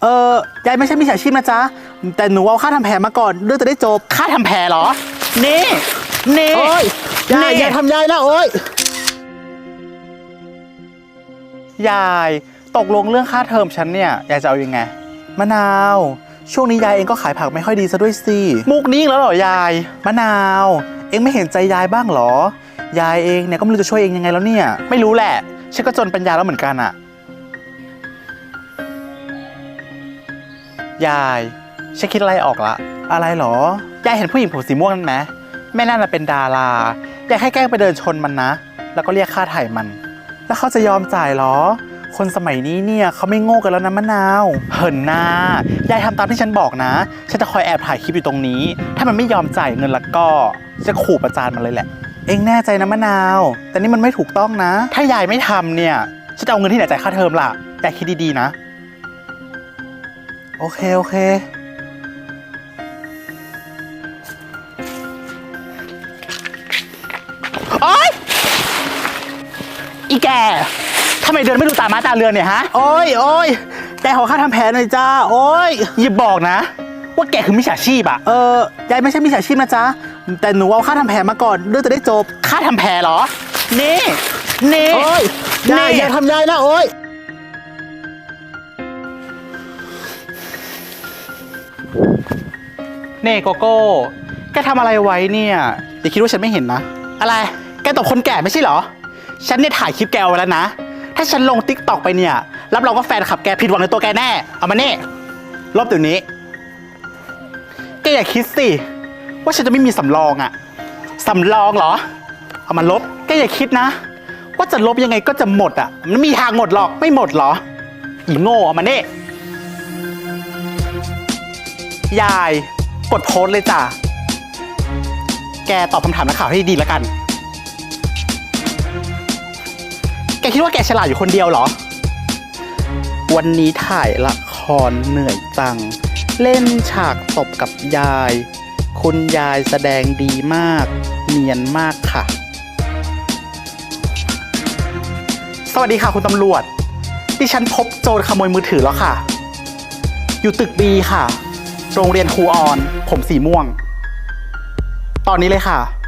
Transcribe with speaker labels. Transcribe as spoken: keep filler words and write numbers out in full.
Speaker 1: เออยายไม่ใช่มิจฉาชีพนะจ๊ะแต่หนูเอาค่าทำแผลมาก่อนเรื่องจะได้จบค่าทำแผลเหรอนี่นี่โอ้ยยายอย่าทำยายนะโอ้ยยายตกลงเรื่องค่าเทอมฉันเนี่ยยายจะเอายังไงมะนาวช่วงนี้ยายเองก็ขายผักไม่ค่อยดีซะด้วยสิมุกนี้แล้วเหรอยายมะนาวเองไม่เห็นใจยายบ้างเหรอยายเองเนี่ยก็ไม่รู้จะช่วยเองยังไงแล้วเนี่ยไม่รู้แหละฉันก็จนปัญญาแล้วเหมือนกันอะยายฉันคิดอะไรออกละอะไรหรอยายเห็นผู้หญิงผมสีม่วงนั่นไหมแม่นั่นน่ะเป็นดารายายแค่แกล้งไปเดินชนมันนะแล้วก็เรียกค่าไถ่มันแล้วเขาจะยอมจ่ายหรอคนสมัยนี้เนี่ยเขาไม่โง่กันแล้วนะมะนาวเหินหน้ายายทำตามที่ฉันบอกนะฉันจะคอยแอบถ่ายคลิปอยู่ตรงนี้ถ้ามันไม่ยอมจ่ายเงินแล้วก็จะขู่ประจานมันเลยแหละเอ็งแน่ใจนะมะนาวแต่นี่มันไม่ถูกต้องนะถ้ายายไม่ทำเนี่ยฉันจะเอาเงินที่ไหนจ่ายค่าเทอมล่ะยายคิดดีๆนะโอเคโอเคโอ๊ยอีแกทำไมเดินไม่ดูตาม้าตาเรือนเนี่ยฮะโอ้ยโอ้ยแกขอค่าทำแผลหน่อยจ้าโอ้ยอย่าบอกนะว่าแกคือมิจฉาชีพอะเออยายไม่ใช่มิจฉาชีพนะจ๊ะแต่หนูเอาค่าทำแผลมาก่อนเรื่องจะได้จบค่าทำแผลเหรอนี่นี่โอ้ยยายอย่าทำยายนะโอ้ยเน่โกโก้แกทำอะไรไว้เนี่ยอย่าคิดว่าฉันไม่เห็นนะอะไรแกตบคนแก่ไม่ใช่เหรอฉันเนี่ยถ่ายคลิปแกเอาไว้แล้วนะถ้าฉันลงติ๊กต็อกไปเนี่ยรับรองว่าแฟนคลับแกผิดหวังในตัวแกแน่เอามาเน่ลบเดี๋ยวนี้แกอย่าคิดสิว่าฉันจะไม่มีสำรองอะสำรองเหรอเอามาลบแกอย่าคิดนะว่าจะลบยังไงก็จะหมดอะมันมีทางหมดหรอกไม่หมดเหรออีโง่เอามาเน่ยายกดโพสเลยจ้ะแกตอบคำถามนักข่าวให้ดีแล้วกันแกคิดว่าแกฉลาดอยู่คนเดียวเหรอวันนี้ถ่ายละครเหนื่อยจังเล่นฉากตบกับยายคุณยายแสดงดีมากเนียนมากค่ะสวัสดีค่ะคุณตำรวจดิฉันพบโจรขโมยมือถือแล้วค่ะอยู่ตึกบีค่ะโรงเรียนครูออนผมสีม่วงตอนนี้เลยค่ะ